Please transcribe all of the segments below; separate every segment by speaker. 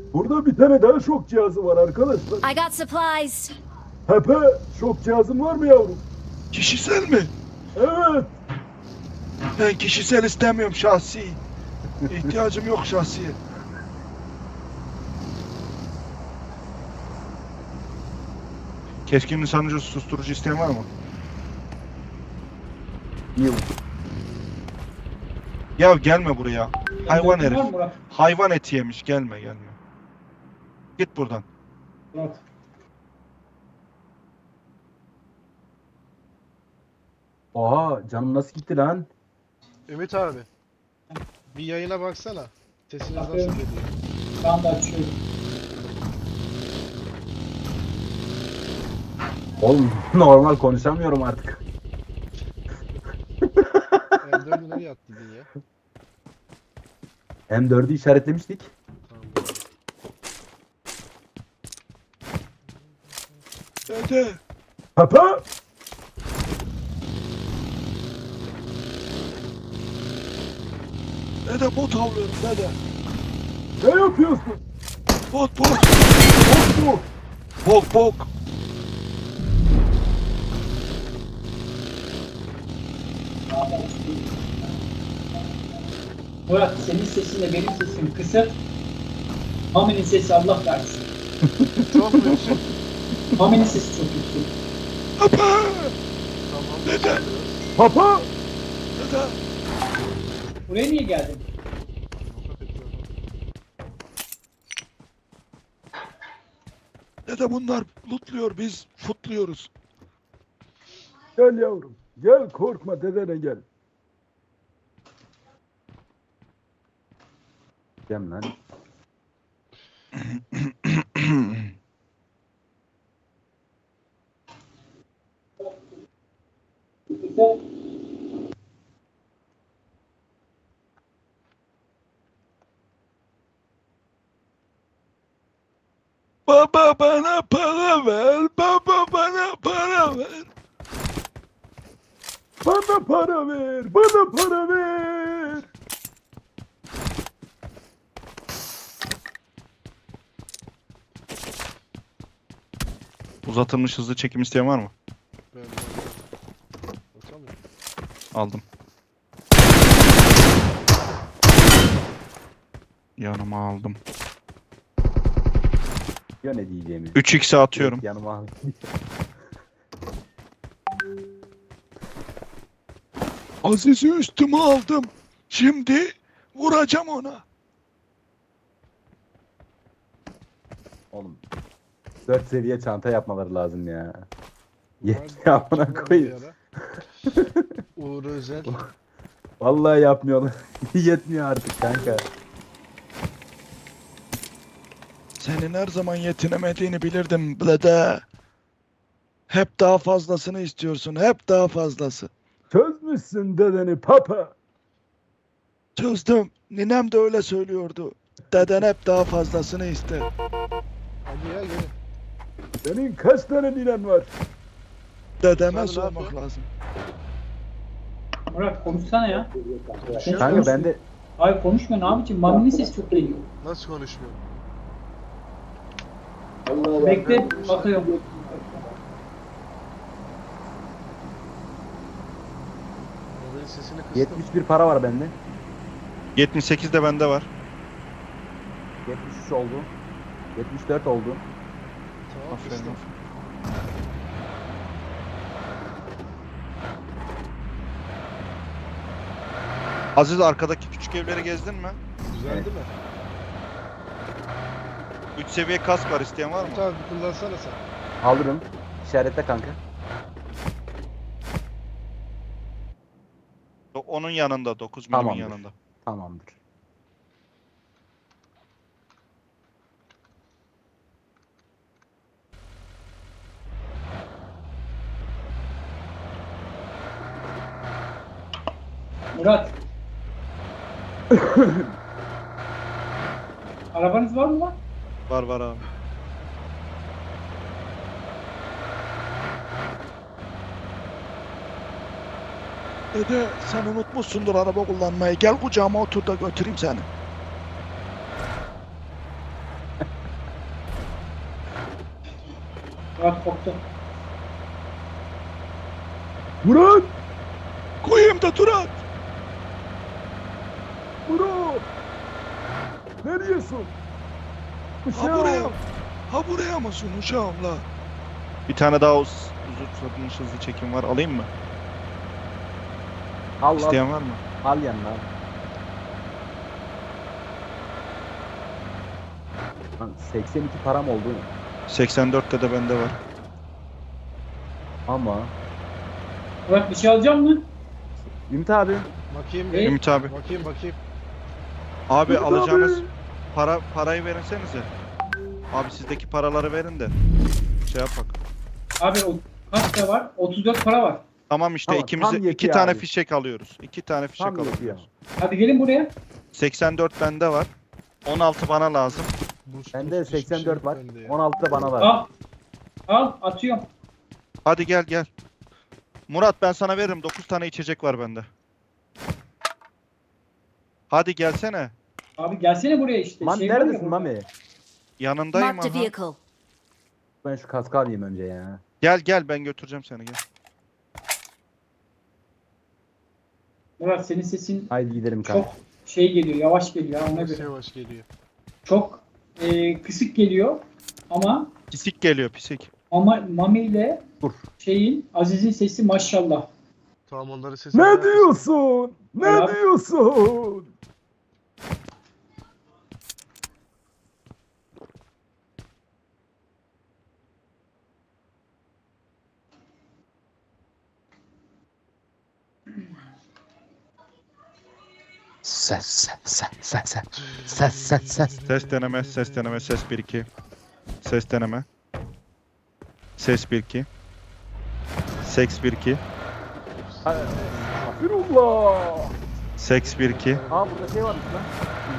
Speaker 1: Burada bir tane daha şok cihazı var arkadaşlar.
Speaker 2: I got supplies.
Speaker 1: Pepe, şok cihazın var mı yavrum?
Speaker 3: Kişisel mi?
Speaker 1: Evet.
Speaker 3: Ben kişisel istemiyorum, şahsi. İhtiyacım yok şahsiye. Keskin nişancı susturucu isteyen var mı?
Speaker 1: Yok.
Speaker 3: Ya gelme buraya. Hayvan
Speaker 4: Var mı
Speaker 3: herif.
Speaker 4: Murat?
Speaker 3: Hayvan eti yemiş. Gelme gelme. Git buradan.
Speaker 4: Murat.
Speaker 1: Oha, canım nasıl gitti lan?
Speaker 5: Ümit abi. Bir yayına baksana. Sesiniz nasıl
Speaker 4: Bakıyorum.
Speaker 5: geliyor?
Speaker 4: Şu anda açıyorum.
Speaker 1: Oğlum normal konuşamıyorum artık.
Speaker 5: M4'ü nereye attın ya?
Speaker 1: M4'ü işaretlemiştik.
Speaker 5: Tamam.
Speaker 3: Dede.
Speaker 1: Pepe!
Speaker 3: Dede bot avlıyorum dede.
Speaker 1: Ne yapıyorsun?
Speaker 3: Bot bot.
Speaker 1: Bok mu?
Speaker 3: Bok bok.
Speaker 4: Murat senin sesinle benim sesim kısık. Mami'nin sesi Allah versin.
Speaker 5: Çok mu yüksek?
Speaker 4: Mami'nin sesi çok yüksek.
Speaker 3: Apa.
Speaker 5: Tamam.
Speaker 3: Dede.
Speaker 1: Papa!
Speaker 3: Dede.
Speaker 4: Buraya niye geldin?
Speaker 3: Dede bunlar lootluyor, biz futluyoruz.
Speaker 1: Gel yavrum. Gel korkma dedene gel. Gel lan.
Speaker 3: Baba bana para ver. Baba bana para ver.
Speaker 1: Bana para ver. Bana para ver.
Speaker 3: Uzatılmış hızlı çekim isteyen var mı?
Speaker 5: Ben bakamıyorum.
Speaker 3: Aldım. Yanıma aldım.
Speaker 1: Ya ne diyeceğimi.
Speaker 3: 3x'e atıyorum.
Speaker 1: Yanıma al.
Speaker 3: Aziz'i üstüme aldım. Şimdi vuracağım ona.
Speaker 1: Oğlum. 4 seviye çanta yapmaları lazım ya.
Speaker 5: Var-
Speaker 1: Yetmiyor amına
Speaker 5: var bir
Speaker 1: koyayım.
Speaker 5: ara. Uğur Özel.
Speaker 1: Vallahi yapmıyorlar. Yetmiyor artık kanka.
Speaker 3: Senin her zaman yetinemediğini bilirdim Blede. Hep daha fazlasını istiyorsun. Hep daha fazlası.
Speaker 1: Çözmüşsün dedeni papa.
Speaker 3: Çözdüm. Ninem de öyle söylüyordu. Deden hep daha fazlasını ister.
Speaker 5: Hadi ya gelin.
Speaker 1: Senin kaç tane ninen var?
Speaker 3: Dedeme
Speaker 5: Sen ne
Speaker 3: sormak
Speaker 5: yapıyorsun?
Speaker 3: lazım.
Speaker 4: Murat konuşsana ya.
Speaker 5: Konuşuyor.
Speaker 1: Kanka ben de
Speaker 4: Hayır konuşma ne yapayım? Mami'nin sesi çok geliyor.
Speaker 5: Nasıl konuşmuyor?
Speaker 4: Bekle bakıyorum.
Speaker 5: Mobilin sesini kıstım.
Speaker 1: 71 para var bende.
Speaker 3: 78 de bende var.
Speaker 1: 73 oldu. 74 oldu.
Speaker 5: Tamam
Speaker 3: Aferin.
Speaker 5: kıstım.
Speaker 3: Aziz arkadaki küçük evleri gezdin mi?
Speaker 5: Güzel
Speaker 1: Evet.
Speaker 5: değil mi?
Speaker 3: 3 seviye kask var, isteyen var mı?
Speaker 5: Ümit abi bir kullansana sen.
Speaker 1: Alırım. İşaretle kanka.
Speaker 3: Onun yanında, 9 milimin
Speaker 1: Tamamdır.
Speaker 3: yanında.
Speaker 1: Tamamdır.
Speaker 4: Murat. Arabanız var mı lan?
Speaker 3: Var var abi. Dede sen unutmuşsundur araba kullanmayı. Gel kucağıma otur da götüreyim seni.
Speaker 4: Murat koptu.
Speaker 1: Murat!
Speaker 3: Koyayım da Turat.
Speaker 1: Murat! Neredesin?
Speaker 3: Ha buraya. Ha buraya mısın uşağım la? Bir tane daha uzun hızlı çekim var. Alayım mı?
Speaker 2: Al
Speaker 3: İsteyen var mı?
Speaker 2: al yanına. Lan 82 param oldu
Speaker 3: 84'te de bende var.
Speaker 2: ama
Speaker 4: Murat bir şey alacak mı?
Speaker 2: Ümit abi
Speaker 5: Bakayım.
Speaker 4: Ey.
Speaker 3: Ümit abi.
Speaker 5: Bakayım.
Speaker 3: Abi
Speaker 1: Ümit
Speaker 3: alacağınız
Speaker 1: abi.
Speaker 3: parayı verirsenize. Abi sizdeki paraları verin de. Şey yapak.
Speaker 4: Abi o kaç para var? 34 para var.
Speaker 3: Tamam işte
Speaker 2: Tamam,
Speaker 3: ikimize
Speaker 2: tam
Speaker 3: iki
Speaker 2: yetiyor
Speaker 3: tane
Speaker 2: abi.
Speaker 3: fişek alıyoruz. 2 tane fişek
Speaker 2: tam yetiyor.
Speaker 3: alıyoruz.
Speaker 4: Hadi gelin buraya.
Speaker 3: 84 bende var. 16 bana lazım.
Speaker 5: Boost,
Speaker 2: Bende
Speaker 5: boost, hiçbir şey
Speaker 2: 84
Speaker 5: yok
Speaker 2: var.
Speaker 5: bende ya.
Speaker 2: 16 da bana var.
Speaker 4: Al. Al atıyorum.
Speaker 3: Hadi gel. Murat ben sana veririm. 9 tane içecek var bende. Hadi gelsene.
Speaker 4: Abi gelsene buraya işte.
Speaker 2: Man
Speaker 4: Şey var ya
Speaker 2: neredesin
Speaker 4: burada.
Speaker 2: Mami?
Speaker 3: Yanındayım
Speaker 6: Marked a
Speaker 3: aha.
Speaker 6: vehicle.
Speaker 2: Ben şu kaskı alayım önce ya.
Speaker 3: Gel ben götüreceğim seni gel.
Speaker 4: Murat senin sesin
Speaker 2: Haydi gidelim kanka.
Speaker 4: çok şey geliyor. Yavaş geliyor. Ona
Speaker 5: Yavaş
Speaker 4: göre.
Speaker 5: yavaş geliyor.
Speaker 4: Çok kısık geliyor. Ama
Speaker 3: Pisik geliyor pisik.
Speaker 4: Mami ile
Speaker 2: Dur.
Speaker 4: Aziz'in sesi maşallah.
Speaker 5: Tamam onları sesini
Speaker 1: Ne diyorsun? Ne
Speaker 4: Ya.
Speaker 1: diyorsun?
Speaker 2: Ses.
Speaker 3: Ses deneme, ses 1 2. Ses deneme. Ses 1 2. Seks 1 2.
Speaker 1: Firullah!
Speaker 3: Seks 1 2.
Speaker 2: Aa burada şey varmış lan.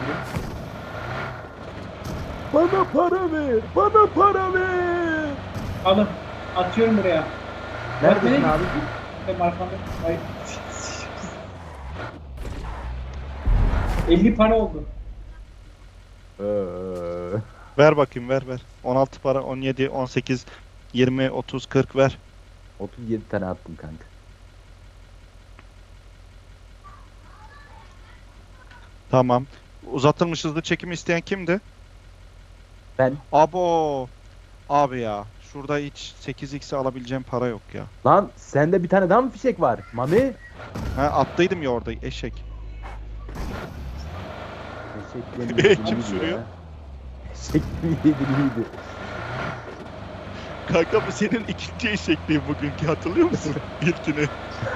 Speaker 1: Bana para ver! Bana para ver!
Speaker 4: Alın. Atıyorum buraya.
Speaker 2: Neredesin
Speaker 4: nereye
Speaker 2: abi?
Speaker 4: Benim arkamda. Ay. 50 para oldu.
Speaker 3: Ver bakayım ver. 16 para, 17, 18, 20, 30, 40 ver.
Speaker 2: 37 tane attım kanka.
Speaker 3: Tamam. Uzatılmış hızlı çekim isteyen kimdi?
Speaker 2: Ben.
Speaker 3: Abo. Abi ya. Şurada hiç 8x'e alabileceğim para yok ya.
Speaker 2: Lan sende bir tane daha mı fişek var? Mami?
Speaker 3: Ha attıydım ya orada eşek.
Speaker 2: Eşek yemin
Speaker 3: Kim sürüyor?
Speaker 2: Eşek yediriydi.
Speaker 3: Kanka bu senin ikinci eşekliğin bugünkü hatırlıyor musun? İlkini.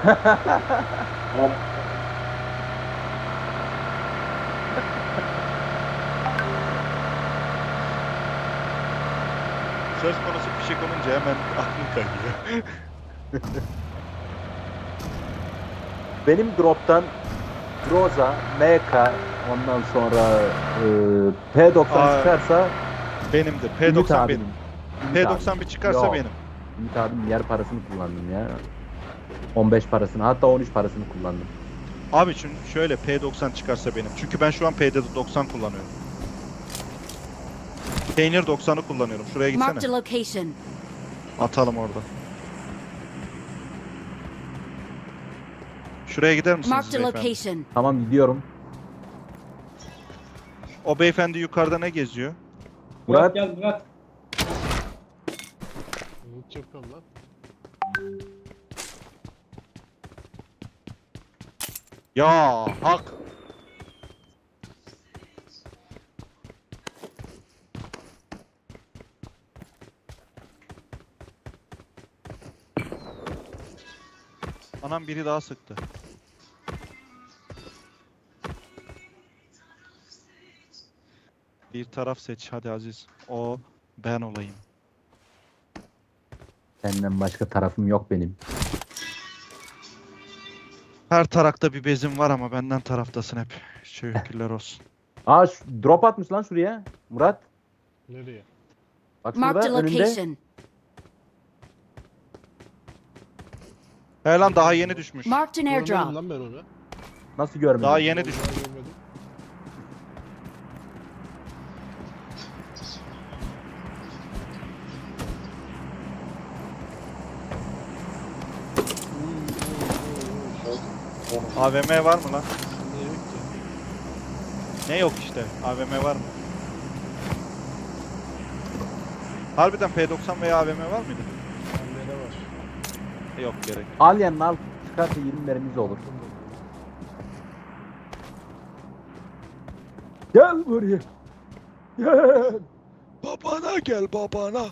Speaker 3: Söz konusu fişek olunca hemen aklım kayıyor.
Speaker 2: Benim drop'tan Groza, MK, ondan sonra P90
Speaker 3: Aa,
Speaker 2: çıkarsa
Speaker 3: Benimdir.
Speaker 2: Ümit
Speaker 3: P90
Speaker 2: abinin.
Speaker 3: benim.
Speaker 2: Ümit
Speaker 3: P90 bir çıkarsa
Speaker 2: Yok.
Speaker 3: benim.
Speaker 2: Ümit abinin yer parasını kullandım ya. 15 parasını hatta 13 parasını kullandım.
Speaker 3: Abi çünkü şöyle P90 çıkarsa benim. Çünkü ben şu an P90 kullanıyorum. Peynir 90'ı kullanıyorum. Şuraya
Speaker 6: Marked a
Speaker 3: gitsene.
Speaker 6: location.
Speaker 3: Atalım orada. Şuraya gider misiniz
Speaker 6: Marked a
Speaker 3: beyefendi?
Speaker 6: location.
Speaker 2: Tamam gidiyorum.
Speaker 3: O beyefendi yukarıda ne geziyor?
Speaker 2: Murat.
Speaker 4: Gel Murat.
Speaker 5: Loot yapıyorum lan.
Speaker 3: Ya hak. Anam biri daha sıktı. Bir taraf seç hadi Aziz. O ben olayım.
Speaker 2: Senden başka tarafım yok benim.
Speaker 3: Her tarakta bir bezim var ama benden taraftasın hep. Şükürler olsun.
Speaker 2: Aa drop atmış lan şuraya. Murat.
Speaker 5: Nereye?
Speaker 2: Bak
Speaker 6: Marked a
Speaker 2: şurada önünde.
Speaker 6: location.
Speaker 3: He lan daha yeni düşmüş.
Speaker 6: Marked an
Speaker 5: Görmedim
Speaker 6: airdrop.
Speaker 5: lan ben onu.
Speaker 2: Nasıl görmedin?
Speaker 3: Daha yeni
Speaker 5: Vallahi
Speaker 3: düşmüş.
Speaker 5: görmedim.
Speaker 3: AVM var mı lan?
Speaker 5: Ne yok ki?
Speaker 3: Ne yok işte. AVM var mı? Harbiden P90 veya AVM var mıydı?
Speaker 5: Bende var.
Speaker 3: Yok gerek.
Speaker 2: Al yanına al. Çıkarsa 20 mermimiz olur.
Speaker 1: Gel buraya. Gel.
Speaker 3: Babana gel babana.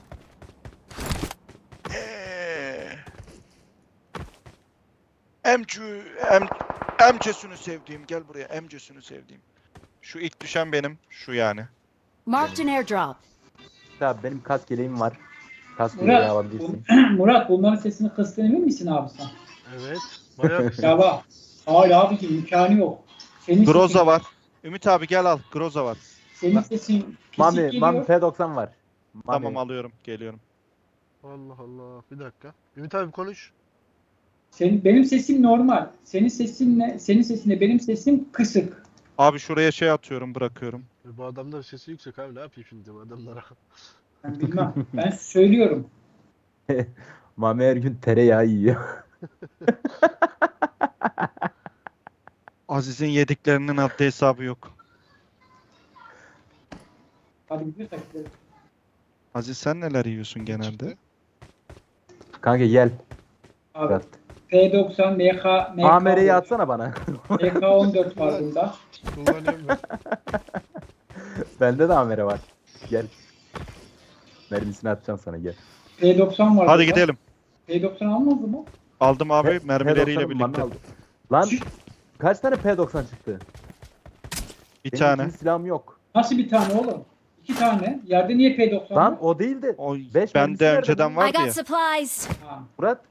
Speaker 3: Emcesini sevdiğim gel buraya emcesini sevdiğim. Şu ilk düşen benim şu yani.
Speaker 6: Marked an airdrop.
Speaker 2: Abi benim kask yeleğim var. Kask yeleği
Speaker 4: Murat,
Speaker 2: alabilirsin.
Speaker 4: Murat bunların sesini kıstığını emin misin abi sen?
Speaker 5: Evet. Bayağı
Speaker 4: Ya bak. Hayır abicim imkanı yok. Senin
Speaker 3: Groza
Speaker 4: sesin,
Speaker 3: var. Ümit abi gel al. Groza var.
Speaker 4: senin sesin pisik
Speaker 2: Mami
Speaker 4: geliyor.
Speaker 2: P90 var. Mami.
Speaker 3: Tamam alıyorum. Geliyorum.
Speaker 5: Allah Allah. Bir dakika. Ümit abi konuş.
Speaker 4: Benim sesim normal. Senin sesinle benim sesim kısık.
Speaker 3: Abi şuraya şey atıyorum bırakıyorum.
Speaker 5: Bu adamların sesi yüksek abi. Ne yapayım şimdi bu adamlara?
Speaker 4: Ben bilmem. Ben söylüyorum.
Speaker 2: Mami her gün tereyağı yiyor.
Speaker 3: Aziz'in yediklerinin haddi hesabı yok.
Speaker 4: Hadi gidiyorsak gidelim.
Speaker 3: Aziz sen neler yiyorsun genelde?
Speaker 5: Çıktı.
Speaker 2: Kanka gel.
Speaker 4: Abi
Speaker 2: Fırat.
Speaker 4: P90 MK
Speaker 2: AMR'yi atsana bana.
Speaker 4: MK14 var bunda.
Speaker 5: Kullanıyorum ben.
Speaker 2: Bende de AMR var. Gel. Mermisini atacağım sana gel.
Speaker 4: P90 var.
Speaker 3: Hadi
Speaker 4: bunda.
Speaker 3: gidelim.
Speaker 4: P90 almadı mı?
Speaker 3: Aldım abi
Speaker 2: P-
Speaker 3: mermileriyle
Speaker 2: P90 bana
Speaker 3: birlikte.
Speaker 2: aldı. Lan kaç tane P90 çıktı?
Speaker 3: Bir
Speaker 2: Benim
Speaker 3: tane.
Speaker 2: ikinci silahım yok.
Speaker 4: Nasıl bir tane oğlum? 2 tane. Yerde niye P90
Speaker 2: Lan
Speaker 4: var?
Speaker 2: o değil de.
Speaker 3: O
Speaker 2: Beş mermisi
Speaker 3: bende
Speaker 2: nerede
Speaker 3: önceden
Speaker 2: lan?
Speaker 6: I
Speaker 3: vardı
Speaker 6: got
Speaker 3: ya.
Speaker 6: supplies.
Speaker 4: Ha,
Speaker 2: Murat.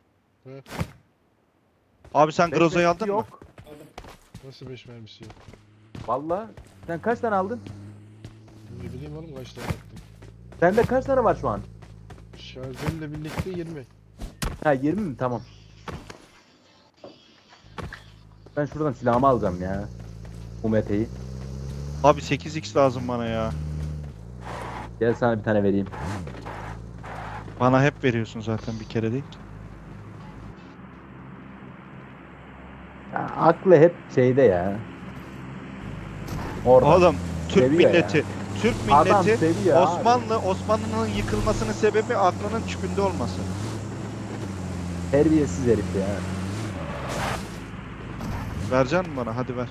Speaker 3: Abi sen
Speaker 2: beş
Speaker 3: Groza'yı
Speaker 2: mermisi
Speaker 3: aldın mı?
Speaker 2: yok.
Speaker 5: Nasıl 5 mermisi yok?
Speaker 2: Valla. Sen kaç tane aldın?
Speaker 5: Ne bileyim oğlum kaç tane attım.
Speaker 2: Sende kaç tane var şu an?
Speaker 5: Şarjörle birlikte 20.
Speaker 2: Ha 20 mi? Tamam. Ben şuradan silahımı alacağım ya. UMP'yi.
Speaker 3: Abi 8x lazım bana ya.
Speaker 2: Gel sana bir tane vereyim.
Speaker 3: Bana hep veriyorsun zaten bir kere değil.
Speaker 2: Ya, aklı hep şeyde ya. Orada.
Speaker 3: Oğlum Türk
Speaker 2: Seviyor
Speaker 3: milleti.
Speaker 2: ya.
Speaker 3: Türk
Speaker 2: Adam
Speaker 3: milleti
Speaker 2: seviyor abi.
Speaker 3: Osmanlı'nın yıkılmasının sebebi aklının çükünde olması.
Speaker 2: Terbiyesiz herif ya.
Speaker 3: Vereceksin mi bana? Hadi ver.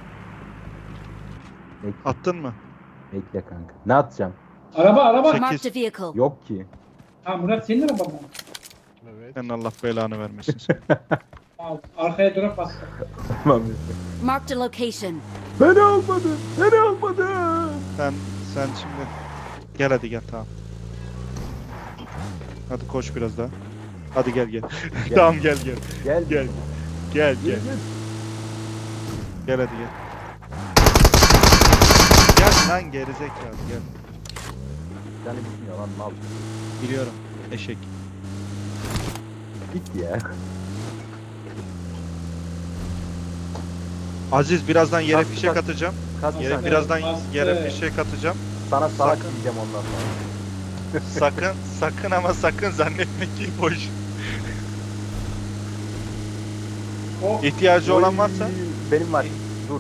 Speaker 2: Bekle,
Speaker 3: Attın mı?
Speaker 2: bekle kanka. Ne atacağım?
Speaker 4: araba.
Speaker 3: Sekiz.
Speaker 6: Marked a vehicle.
Speaker 2: Yok ki.
Speaker 4: Ha Murat senin araban mı?
Speaker 5: Evet.
Speaker 3: Senin Allah belanı vermesin. Sen.
Speaker 4: Ha, arkaya drop bastı.
Speaker 2: Tamam.
Speaker 6: Marked a location.
Speaker 1: Beni almadın. Beni almadın.
Speaker 3: sen şimdi gel hadi gel tamam. Hadi koş biraz daha. Hadi gel.
Speaker 2: Gel.
Speaker 3: Tamam gel.
Speaker 2: Gel.
Speaker 3: Gel.
Speaker 2: Gel.
Speaker 3: Gel hadi gel. Gel lan gerizekalı gel.
Speaker 2: Canı gitmiyor lan mal.
Speaker 3: Biliyorum. Eşek.
Speaker 2: Git ya.
Speaker 3: Aziz birazdan yere
Speaker 2: Kas-
Speaker 3: fişek
Speaker 2: kas-
Speaker 3: atacağım.
Speaker 2: Kas
Speaker 3: Yere,
Speaker 2: sen.
Speaker 3: birazdan
Speaker 4: bastı.
Speaker 3: yere fişek atacağım.
Speaker 2: Sana salak
Speaker 3: Sakın.
Speaker 2: diyeceğim ondan sonra.
Speaker 3: Sakın ama sakın zannetme ki boş.
Speaker 4: O
Speaker 3: İhtiyacı olan varsa
Speaker 2: Oy, benim var. Dur.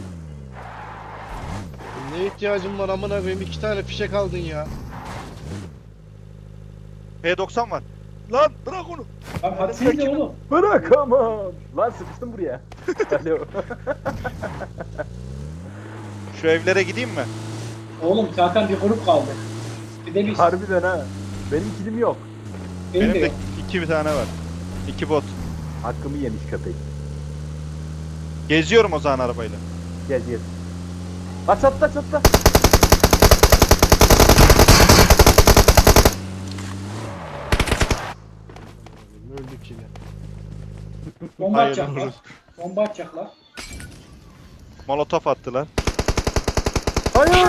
Speaker 5: Ne ihtiyacım var amına koyayım 2 tane fişek aldın ya.
Speaker 3: P90 var. Lan bırak onu.
Speaker 4: Lan hadi siz de oğlum.
Speaker 1: Bırakamam.
Speaker 2: Lan sıkıştım buraya. Alo.
Speaker 3: Şu evlere gideyim mi?
Speaker 4: Oğlum zaten bir grup kaldı. Bir de biz.
Speaker 2: Harbiden ha. Benim kilim yok.
Speaker 4: Benim de
Speaker 3: Benim de
Speaker 4: yok.
Speaker 3: 2 tane var. 2 bot.
Speaker 2: Hakkımı yemiş köpek.
Speaker 3: Geziyorum o zaman arabayla.
Speaker 2: Gel gel. Aç çatla.
Speaker 5: Öldük yine.
Speaker 4: Bomba
Speaker 3: Hayır,
Speaker 4: atacaklar.
Speaker 3: vururuz.
Speaker 4: Bomba atacaklar.
Speaker 3: Molotof attılar.
Speaker 2: Hayır.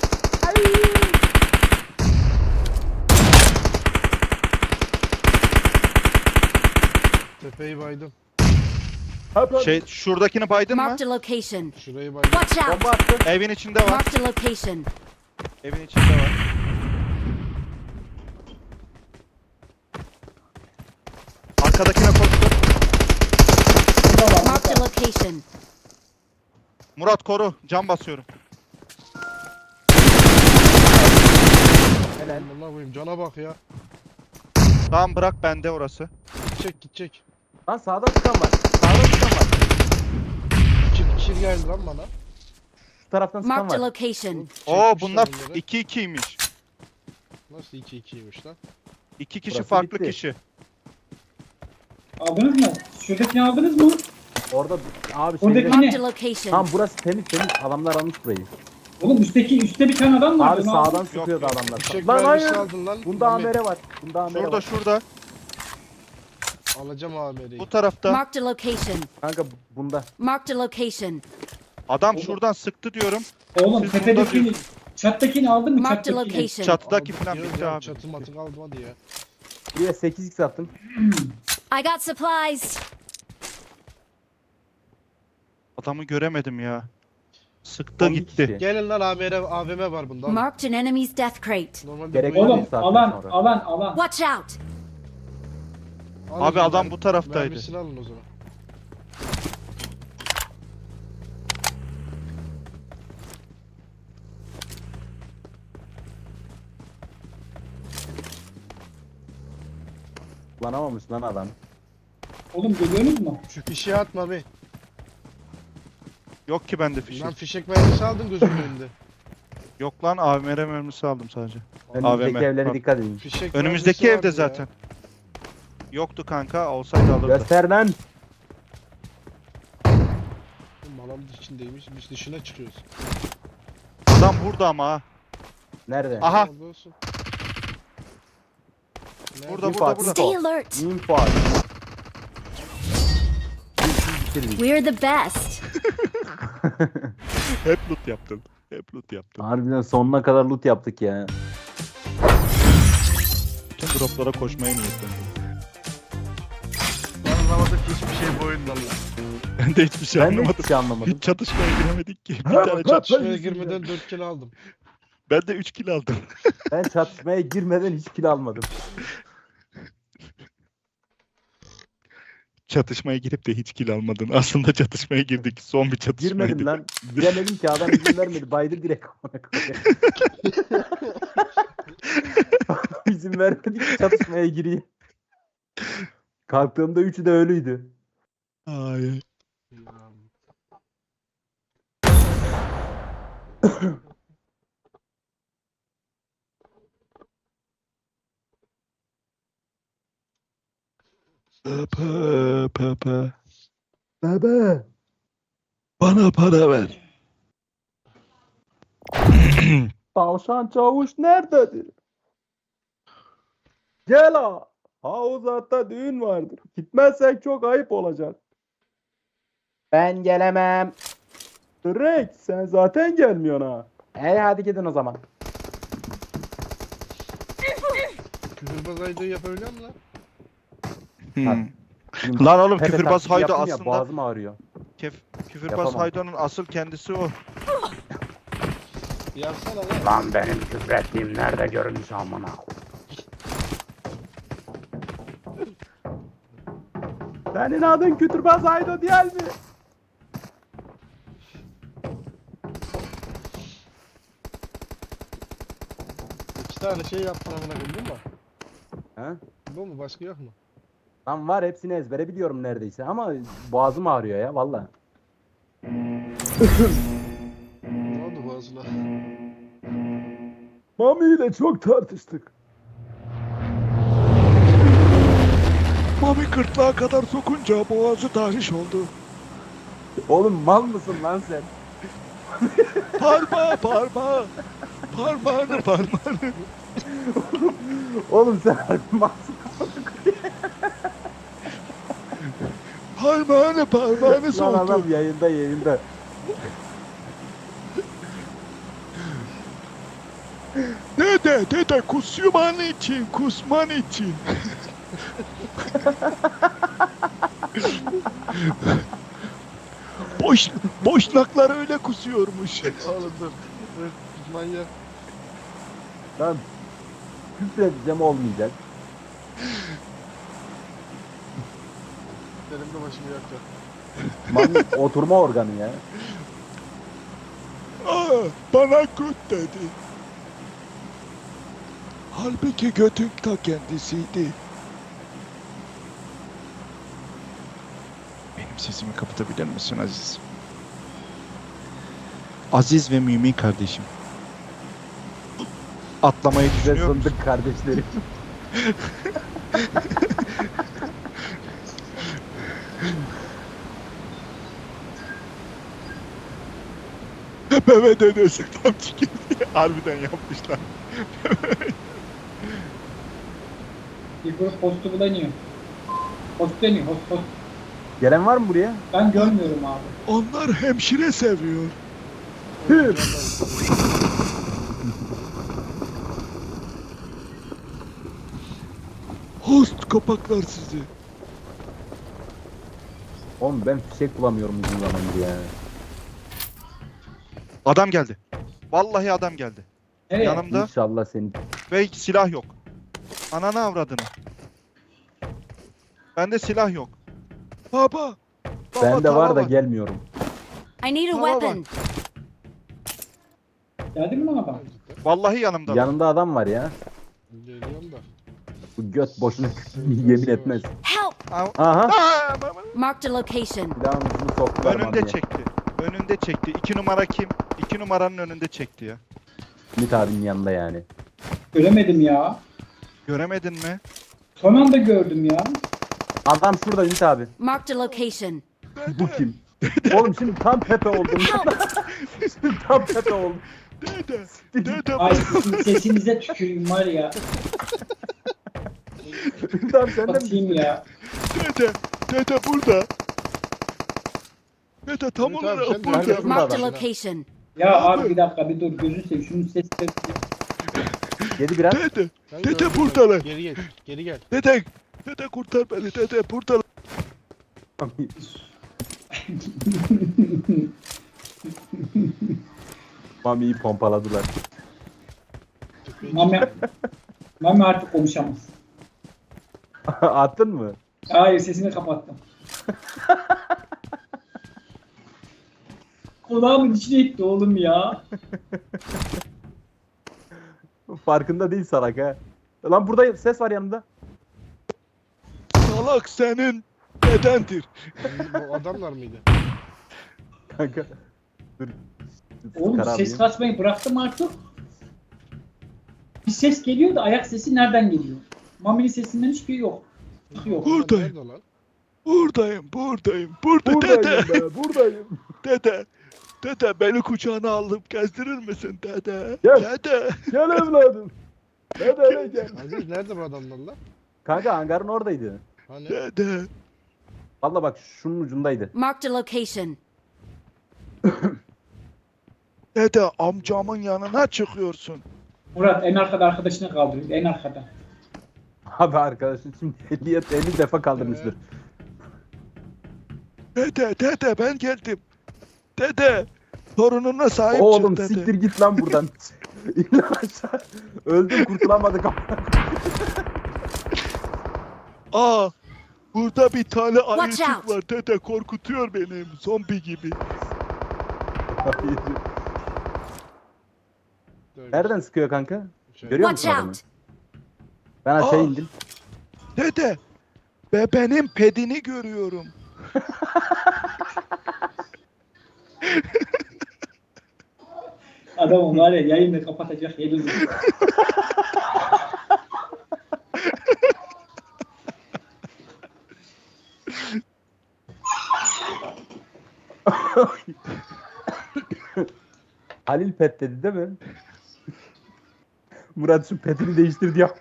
Speaker 5: Tepeyi baydım.
Speaker 3: Şuradakini baydın mı?
Speaker 6: Marked a location.
Speaker 5: Şurayı baydım.
Speaker 6: Watch out.
Speaker 2: Bomba attı.
Speaker 3: Evin içinde var.
Speaker 6: Marked a location.
Speaker 3: Evin içinde var. Arkadakine koştu.
Speaker 4: Burada var.
Speaker 6: Marked a a location.
Speaker 3: Murat koru. Cam basıyorum.
Speaker 2: Helal.
Speaker 5: Allah koyayım cana bak ya.
Speaker 3: Tamam bırak bende orası.
Speaker 5: Gidecek gidecek.
Speaker 2: Lan sağda çıkan var. Sağda çıkan var.
Speaker 5: Kir geldi lan bana.
Speaker 2: Şu taraftan çıkan
Speaker 6: Marked a
Speaker 2: var.
Speaker 6: location.
Speaker 3: Oo
Speaker 5: Çekmişler
Speaker 3: bunlar
Speaker 5: onları.
Speaker 3: 2-2'ymiş.
Speaker 5: Nasıl 2-2'ymiş lan?
Speaker 3: 2 kişi
Speaker 2: Burası
Speaker 3: farklı
Speaker 2: bitti.
Speaker 3: kişi.
Speaker 4: Aldınız mı? Şuradakini aldınız mı?
Speaker 2: Orada abi
Speaker 4: Oradaki
Speaker 2: şeyde...
Speaker 4: ne?
Speaker 6: Marked a location.
Speaker 2: Tam burası temiz temiz. Adamlar almış burayı.
Speaker 4: Oğlum üstte bir tane adam var.
Speaker 2: Abi
Speaker 4: Onu aldın.
Speaker 2: sağdan sıkıyordu
Speaker 3: yok.
Speaker 2: adamlar.
Speaker 5: Fişek
Speaker 2: Lan
Speaker 5: mermisi
Speaker 2: hayır.
Speaker 5: aldın lan.
Speaker 2: Bunda
Speaker 5: Mami.
Speaker 2: amere var. Bunda amere
Speaker 3: Şurada
Speaker 2: var.
Speaker 3: şurada.
Speaker 5: Alacağım AMR'yi.
Speaker 3: Bu tarafta.
Speaker 6: Marked a location.
Speaker 2: Kanka bunda.
Speaker 6: Marked a location.
Speaker 3: Adam şuradan sıktı diyorum.
Speaker 4: Oğlum
Speaker 3: Siz
Speaker 4: tepedekini,
Speaker 3: burada
Speaker 4: çattakini aldın mı?
Speaker 6: Marked a
Speaker 4: Çattakini.
Speaker 6: location.
Speaker 3: Çatıdaki
Speaker 5: Aldım
Speaker 3: falan
Speaker 5: diyoruz
Speaker 3: bitti
Speaker 5: ya,
Speaker 3: abi.
Speaker 5: Çatı matı kaldı hadi ya.
Speaker 2: Buraya 8x attım.
Speaker 6: I got supplies.
Speaker 3: Adamı göremedim ya. Sıktı
Speaker 2: 12
Speaker 3: gitti.
Speaker 2: kişi.
Speaker 5: Gelin lan AVM var bunda. alın.
Speaker 6: Marked an enemy's death crate.
Speaker 5: Normalde
Speaker 2: Gerek
Speaker 5: bu
Speaker 2: yok.
Speaker 5: iyi.
Speaker 4: Oğlum
Speaker 2: Saatten
Speaker 4: alan
Speaker 2: sonra.
Speaker 4: alan.
Speaker 6: Watch out.
Speaker 5: Alın
Speaker 3: Abi
Speaker 5: o
Speaker 3: adam
Speaker 5: zaman.
Speaker 3: bu taraftaydı.
Speaker 5: Mermisini alın o zaman.
Speaker 2: Kullanamamış lan adam.
Speaker 4: Oğlum görüyorsunuz mu?
Speaker 5: Şu fişeği atma be.
Speaker 3: Yok ki bende fişek.
Speaker 5: Lan fişek mermisi aldın gözümün önünde.
Speaker 3: Yok lan AVM mermisi aldım sadece.
Speaker 2: Önümüzdeki
Speaker 3: AVM.
Speaker 2: evlere
Speaker 3: Bak.
Speaker 2: dikkat edin.
Speaker 5: Fişek
Speaker 3: Önümüzdeki
Speaker 5: mermisi
Speaker 3: evde
Speaker 5: vardı ya.
Speaker 3: zaten. Yoktu olsaydı alırdı.
Speaker 2: Göster lan.
Speaker 5: Oğlum alan içindeymiş. Biz dışına çıkıyoruz.
Speaker 3: Adam burada ama ha.
Speaker 2: Nerede?
Speaker 3: Aha.
Speaker 5: Orada olsun.
Speaker 3: Burada
Speaker 2: Bir
Speaker 3: burada
Speaker 2: fark.
Speaker 3: burada.
Speaker 6: Stay alert.
Speaker 2: Info abi. Bitirdik.
Speaker 6: We're the best.
Speaker 3: Hep loot yaptım. Hep loot yaptım.
Speaker 2: Harbiden sonuna kadar loot yaptık ya.
Speaker 3: Bütün droplara koşmaya niyetlendim.
Speaker 5: Ben anlamadım ki hiçbir şey bu oyundan lan.
Speaker 3: Ben de hiçbir şey
Speaker 2: Ben de
Speaker 3: anlamadım.
Speaker 2: hiçbir şey anlamadım.
Speaker 3: Hiç çatışmaya giremedik ki. Bir
Speaker 1: Ha,
Speaker 3: tane
Speaker 1: bak,
Speaker 5: Çatışmaya
Speaker 1: yüzünden.
Speaker 5: girmeden 4 kill aldım.
Speaker 3: Ben de 3 kill aldım.
Speaker 2: Ben çatışmaya girmeden hiç kill almadım.
Speaker 3: Çatışmaya girip de hiç kill almadın. Aslında çatışmaya girdik. Son bir çatışmaydı.
Speaker 2: Girmedim lan. Giremedim ki adam izin vermedi. Baydır direkt. İzin vermedi ki çatışmaya gireyim. Kalktığımda üçü de ölüydü.
Speaker 3: Ay. Papa.
Speaker 2: Bebe.
Speaker 3: Bana para ver.
Speaker 2: Tavşan çavuş nerededir? Gel ha. Havuzat'ta düğün vardır. Gitmezsek çok ayıp olacak. Ben gelemem. Direkt sen zaten gelmiyorsun ha. Hadi gidin o zaman.
Speaker 5: Küfürbaz aydığı yapabiliyor musun lan?
Speaker 3: Lan oğlum
Speaker 2: Pepe
Speaker 3: küfürbaz
Speaker 2: taklidi
Speaker 3: Haydo
Speaker 2: yaptım ya,
Speaker 3: aslında
Speaker 2: boğazım ağrıyor.
Speaker 3: Küfürbaz
Speaker 2: Yapamam.
Speaker 3: Haydo'nun asıl kendisi o.
Speaker 5: Yapsana lan.
Speaker 1: Lan benim küfrettiğim nerede görünmüş amına.
Speaker 2: Senin adın Kütürbaz Haydo değil mi?
Speaker 5: İki tane şey yaptın amına koyayım değil mi?
Speaker 2: He?
Speaker 5: Bu mu? Başka yok mu?
Speaker 2: Lan var hepsini ezbere biliyorum neredeyse ama boğazım ağrıyor ya valla.
Speaker 5: Ne oldu boğazına?
Speaker 1: Mami ile çok tartıştık.
Speaker 3: Mami gırtlağa kadar sokunca boğazı tahriş oldu.
Speaker 2: Oğlum mal mısın lan sen?
Speaker 3: Parmağı. Parmağını.
Speaker 2: Oğlum sen harbi malsın.
Speaker 3: Parmağını
Speaker 2: Lan
Speaker 3: soktu.
Speaker 2: adam yayında.
Speaker 3: Dede kusman için. Boşnaklar öyle kusuyormuş.
Speaker 5: Oğlum dur. Dur. Manyak.
Speaker 2: Lan küfredeceğim olmayacak.
Speaker 5: Benim de başımı yakacak.
Speaker 2: Mami oturma organı ya.
Speaker 3: Aa, bana göt dedi. Halbuki götün ta kendisiydi. Benim sesimi kapatabilir misin Aziz? Aziz ve Mümin kardeşim. Atlamayı
Speaker 2: Ve
Speaker 3: düşünüyor musun?
Speaker 2: fındık kardeşlerim.
Speaker 3: Mehmet dedesi tam çıkıyor. Harbiden yapmışlar.
Speaker 4: Bir grup postu bulanıyor. Post deniyor. Post.
Speaker 2: Gelen var mı buraya?
Speaker 4: Ben görmüyorum abi.
Speaker 3: Onlar hemşire seviyor. Host kapaklar sizi.
Speaker 2: Oğlum ben fişek bulamıyorum uzun zamandır ya.
Speaker 3: Adam geldi. Vallahi adam geldi.
Speaker 4: Nereye?
Speaker 3: Yanımda
Speaker 2: İnşallah senin.
Speaker 3: ve silah yok. Ananı avradını. Bende silah yok. Baba.
Speaker 2: Bende
Speaker 3: tava
Speaker 2: var da gelmiyorum.
Speaker 6: I need a
Speaker 3: Tamam,
Speaker 6: weapon.
Speaker 4: Geldi mi lan adam?
Speaker 3: Vallahi yanımda.
Speaker 2: Yanında adam var ya.
Speaker 5: Geliyorum da.
Speaker 2: Bu göt boşuna yemin etmez.
Speaker 6: Help!
Speaker 2: Aha.
Speaker 6: Marked a location.
Speaker 2: Silahın ucunu soktular
Speaker 3: Önünde
Speaker 2: Mami'ye.
Speaker 3: çekti. Önünde çekti. 2 numara kim? 2 numaranın önünde çekti ya.
Speaker 2: Ümit abinin yanında yani.
Speaker 4: Göremedim ya.
Speaker 3: Göremedin mi?
Speaker 4: Son anda gördüm ya.
Speaker 2: Adam şurada Ümit abi.
Speaker 6: Marked a location.
Speaker 2: Bu kim? Oğlum şimdi tam Pepe oldum. Şimdi tam Pepe oldum.
Speaker 3: Dede. Dede.
Speaker 4: Ay sizin sesinize tüküreyim var ya.
Speaker 2: Ümit abi sen de mi?
Speaker 4: Atayım ya.
Speaker 3: Dede. Dede burada. Dede tam
Speaker 5: Evet abi,
Speaker 3: olarak
Speaker 5: sen de-
Speaker 3: burada.
Speaker 2: Burada
Speaker 6: Marked a
Speaker 2: adam.
Speaker 6: location.
Speaker 4: Ya abi bir dakika bir dur gözünü seveyim. Şunun sesini
Speaker 2: Yedi biraz.
Speaker 3: Dede.
Speaker 5: Ben
Speaker 3: Dede
Speaker 5: gördüm
Speaker 3: buradalar.
Speaker 5: seni. Geri gel. Geri gel.
Speaker 3: Dede. Dede kurtar beni. Dede buradalar.
Speaker 2: Mami'yi pompaladılar.
Speaker 4: Mami artık konuşamaz.
Speaker 2: Attın mı?
Speaker 4: Hayır sesini kapattım. Kulağımın içine gitti oğlum ya.
Speaker 2: Farkında değil salak ha. Lan burada ses var yanında.
Speaker 3: Salak senin dedendir.
Speaker 5: Bu adamlar mıydı?
Speaker 2: Kanka. Dur.
Speaker 4: Oğlum
Speaker 2: Çıkar abi.
Speaker 4: ses kasmayı bıraktım artık. Bir ses geliyor da ayak sesi nereden geliyor? Mami'nin sesinden hiçbir yok. Yok.
Speaker 3: Buradayım.
Speaker 5: Nerede o lan?
Speaker 3: Buradayım. Burada
Speaker 2: Buradayım
Speaker 3: dede.
Speaker 2: be, buradayım.
Speaker 3: Dede. Dede beni kucağına alıp gezdirir misin dede?
Speaker 2: Gel.
Speaker 3: Dede.
Speaker 2: Gel evladım. Hadi gel.
Speaker 5: Aziz nerede bu adamlar lan?
Speaker 2: Kanka hangarın oradaydı.
Speaker 5: Hani?
Speaker 3: Dede.
Speaker 2: Valla bak şunun ucundaydı.
Speaker 6: Marked a location.
Speaker 3: Dede amcamın yanına çıkıyorsun.
Speaker 4: Murat en arkada arkadaşını kaldırıyor. En arkada.
Speaker 2: Abi arkadaşın şimdi 50 defa kaldırmıştır.
Speaker 3: Dede ben geldim. Dede. Torununa sahip
Speaker 2: Oğlum
Speaker 3: çık dede.
Speaker 2: siktir git lan buradan. İn lan aşağı. Öldüm kurtulamadık.
Speaker 3: Aa. Burada bir tane
Speaker 6: Watch
Speaker 3: ayıcık
Speaker 6: out.
Speaker 3: var dede korkutuyor benim zombi gibi.
Speaker 2: Nereden sıkıyor kanka?
Speaker 5: Şöyle.
Speaker 2: Görüyor
Speaker 6: Watch
Speaker 2: musun adamı?
Speaker 6: out!
Speaker 2: Ben aşağı
Speaker 3: Aa.
Speaker 2: indim.
Speaker 3: Dede. Bebenin pedini görüyorum.
Speaker 4: Adam var ya yayını kapatacak yeri yok.
Speaker 2: Halil pet dedi değil mi? Murat şu petini değiştir diye.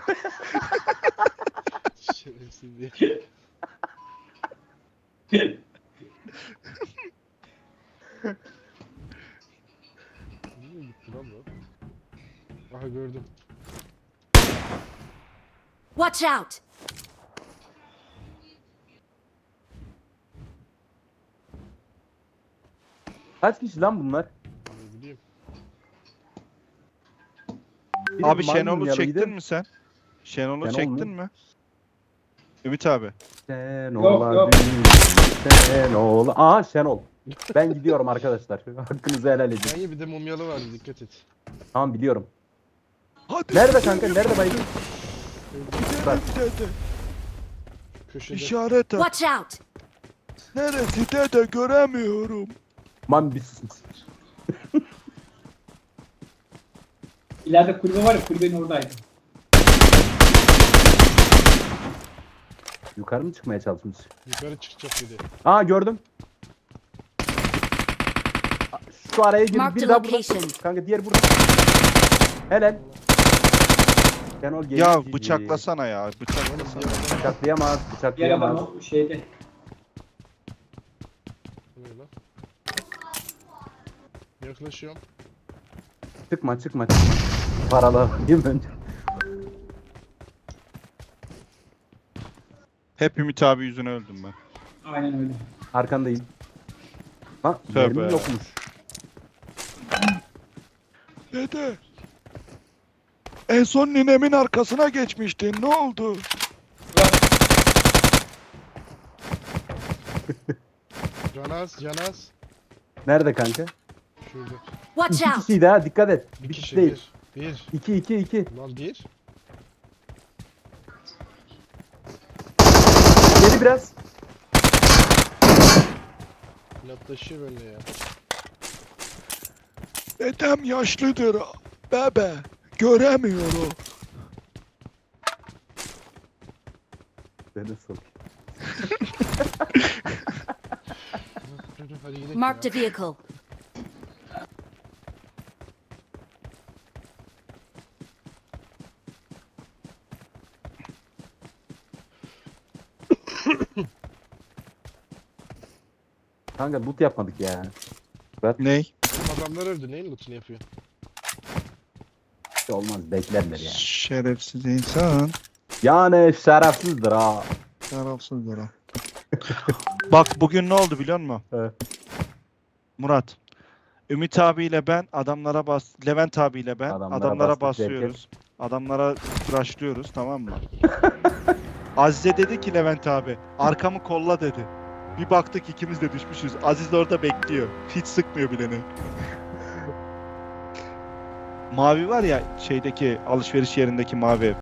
Speaker 5: Şerefsiz diye. Nereye gitti lan bu? Aha gördüm.
Speaker 6: Watch out!
Speaker 2: Kaç kişi lan bunlar?
Speaker 5: Ne bileyim.
Speaker 2: Biri
Speaker 3: Abi
Speaker 2: maymun
Speaker 3: Şenol'u
Speaker 2: yanıydı.
Speaker 3: çektin mi sen? Şenol'u
Speaker 2: Şenol
Speaker 3: çektin
Speaker 2: mu?
Speaker 3: mi? Ümit abi.
Speaker 2: Şenol'a Şenol. Aa Şenol. Ben gidiyorum arkadaşlar. Hakkınızı helal edin.
Speaker 5: Yani bir de mumyalı vardı, dikkat et.
Speaker 2: Tamam biliyorum.
Speaker 3: Hadi.
Speaker 2: Nerede kanka? Nerede baygın? Bak.
Speaker 3: Gidelim dede.
Speaker 5: Köşede.
Speaker 3: İşaret at.
Speaker 6: Watch out!
Speaker 3: Neresi dede göremiyorum.
Speaker 2: Man bir susun.
Speaker 4: İleride kulübe var ya, kulübenin oradaydı.
Speaker 2: Yukarı mı çıkmaya çalışmış?
Speaker 5: Yukarı çıkacak bir de.
Speaker 2: Aa gördüm. Şu araya girdi.
Speaker 6: Mark
Speaker 2: Bir
Speaker 6: the
Speaker 2: daha burada.
Speaker 6: location.
Speaker 2: Kanka diğer burada. Helal. Şenol geliyor.
Speaker 3: Ya bıçaklasana ya. Bıçaklasana.
Speaker 2: Bıçaklayamaz.
Speaker 4: Diğer adam
Speaker 2: Bıçaklayamaz.
Speaker 4: o şeyde.
Speaker 5: Böyle. Yaklaşıyorum.
Speaker 2: Çıkma. Paralı değil mi önce?
Speaker 3: Hep Ümit abi yüzüne öldüm ben.
Speaker 4: Aynen öyle.
Speaker 2: Arkandayım. Lan
Speaker 3: Tövbe.
Speaker 2: mermi yokmuş.
Speaker 3: Dede. En son ninemin arkasına geçmiştin. Ne oldu?
Speaker 5: Canaz.
Speaker 2: Nerede kanka?
Speaker 5: Şurada.
Speaker 6: Watch
Speaker 2: İki
Speaker 6: out!
Speaker 2: kişiydi ha, dikkat et.
Speaker 5: Bir
Speaker 2: Bir kişi
Speaker 5: kişi,
Speaker 2: değil.
Speaker 5: bir.
Speaker 2: İki.
Speaker 5: Lan bir.
Speaker 2: Geri biraz.
Speaker 5: Yaklaşıyor böyle ya.
Speaker 3: Dedem yaşlıdır. Bebe. Göremiyorum.
Speaker 2: Beni sok.
Speaker 5: Hadi gidelim
Speaker 6: Marked
Speaker 5: ya.
Speaker 6: a vehicle.
Speaker 2: Kanka loot yapmadık ya.
Speaker 3: Ney?
Speaker 5: Oğlum adamlar öldü. Neyin lootunu yapıyor?
Speaker 2: Hiç olmaz, beklerler ya.
Speaker 3: Şerefsiz insan.
Speaker 2: Yani şerefsizdir ha.
Speaker 3: Şerefsizdir ha. Bak bugün ne oldu biliyor musun?
Speaker 2: Evet.
Speaker 3: Murat. Ümit abiyle ben adamlara Levent abiyle ben adamlara
Speaker 2: bastık
Speaker 3: basıyoruz. Adamlara rushlıyoruz, tamam mı? Azize dedi ki Levent abi arkamı kolla dedi. Bir baktık ikimiz de düşmüşüz. Aziz de orada bekliyor. Hiç sıkmıyor bileni. Mavi var ya şeydeki alışveriş yerindeki mavi ev.